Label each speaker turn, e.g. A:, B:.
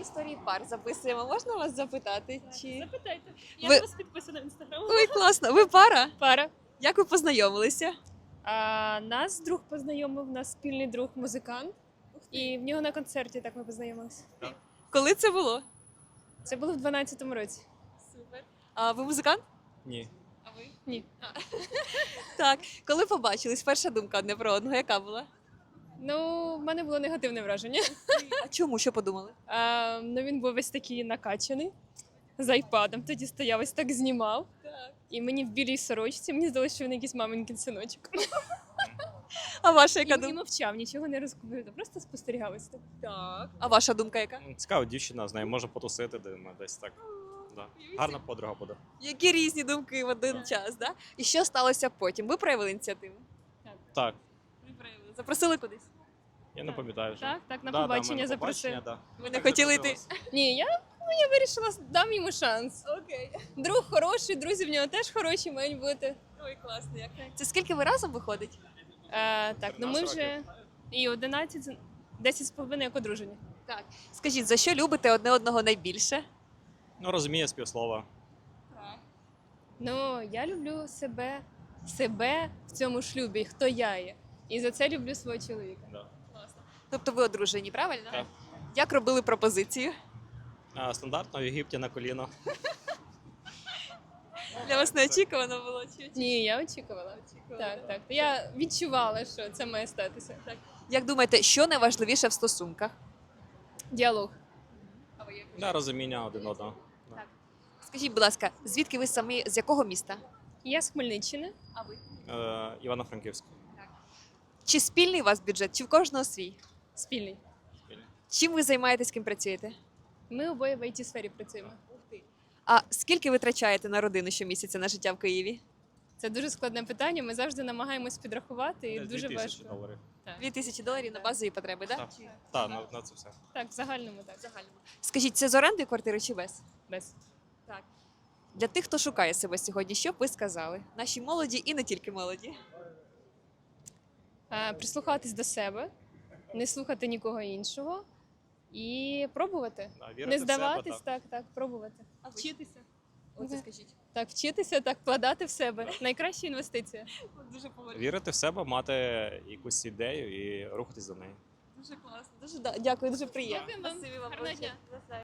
A: історії пар записуємо. Можна вас запитати? Чи
B: Запитайте. Я
A: Ви-
B: на вас підписана в інстаграм.
A: ой, класно? Ви пара?
B: Пара.
A: Як ви познайомилися?
B: Нас друг познайомив, нас спільний друг музикант. І в нього на концерті так ми познайомилися.
A: Коли це було?
B: Це було в 12-му році.
A: Супер. А ви музикант?
C: Ні.
A: А ви?
B: Ні.
A: Так. Коли побачились, перша думка одне про одного, яка була?
B: Ну, в мене було негативне враження.
A: А чому? Що подумали?
B: Ну, він був весь такий накачаний, з айпадом. Тоді стояв, ось так знімав. І мені в білій сорочці, мені здалося, що він якийсь маминкин синочок.
A: А ваша яка
B: І
A: думка?
B: мовчав, нічого не розповідав, просто спостерігав ось так.
A: Так. А ваша думка яка?
C: Цікава дівчина, з нею може потусити десь так. Да. Гарна подруга буде.
A: Які різні думки в один час, да? І що сталося потім? Ви проявили ініціативу?
C: Так,
A: Ви проявили. Запросили кудись?
C: я не пам'ятаю вже.
B: Так, на
C: Да,
B: побачення
C: ми на
B: запросив.
C: побачення, да.
A: Ви не хотіли йти?
B: Ні, я вирішила, дам йому шанс.
A: Окей.
B: Друг хороший, друзі в нього теж хороші мають бути.
A: Ой, класно. Як. Це скільки ви разом виходить?
B: Так, ну ми
C: 13
B: вже і 11, 10 з половиною як одружені.
A: Так. Скажіть, за що любите одне одного найбільше?
C: Ну, розуміє співслова.
B: Ну, я люблю себе в цьому шлюбі, хто я є. І за це люблю свого чоловіка.
C: Да.
A: Тобто ви одружені, правильно?
C: Так.
A: Як робили пропозицію?
C: Стандартно в Єгипті на коліно.
A: Для вас неочікувано було? Чи?
B: Ні, я очікувала. Так. Я відчувала, що це має статися. Так.
A: Як думаєте, що найважливіше в стосунках?
B: Діалог.
C: Да, розуміння один одного. Да.
A: Скажіть, будь ласка, звідки ви самі, з якого міста?
B: Я з Хмельниччини.
A: А ви?
C: Івано-Франківськ.
A: Чи спільний у вас бюджет, чи в кожного свій?
B: Спільний.
A: Чим ви займаєтесь, ким працюєте?
B: Ми обоє в IT-сфері працюємо.
A: А скільки ви витрачаєте на родину щомісяця на життя в Києві?
B: Це дуже складне питання. Ми завжди намагаємось підрахувати і
C: Десь
B: дуже
C: 2000
B: важко.
C: доларів.
A: $2000 на базові потреби, так?
C: Так, так, на це все.
B: Так, в загальному так.
A: Скажіть, це з оренди квартири чи без?
B: Без.
A: Так. Для тих, хто шукає себе сьогодні, що б ви сказали? Нашій молоді і не тільки молоді.
B: Прислухатись до себе, не слухати нікого іншого і пробувати.
C: Да, вірити
B: Не
C: в себе,
B: здаватись,
C: так.
B: так, пробувати.
A: А ви?
B: Вчитися.
A: Оце
B: Мгм.
A: скажіть.
B: Так, вчитися, так, вкладати в себе. Найкраща інвестиція.
A: Дуже поважно.
C: Вірити в себе, мати якусь ідею і рухатись за нею.
A: Дуже класно. Дуже дякую, дуже приємно.
B: Дякую вам.
A: Спасибі вам
B: Гарного
A: величезне.
B: дня.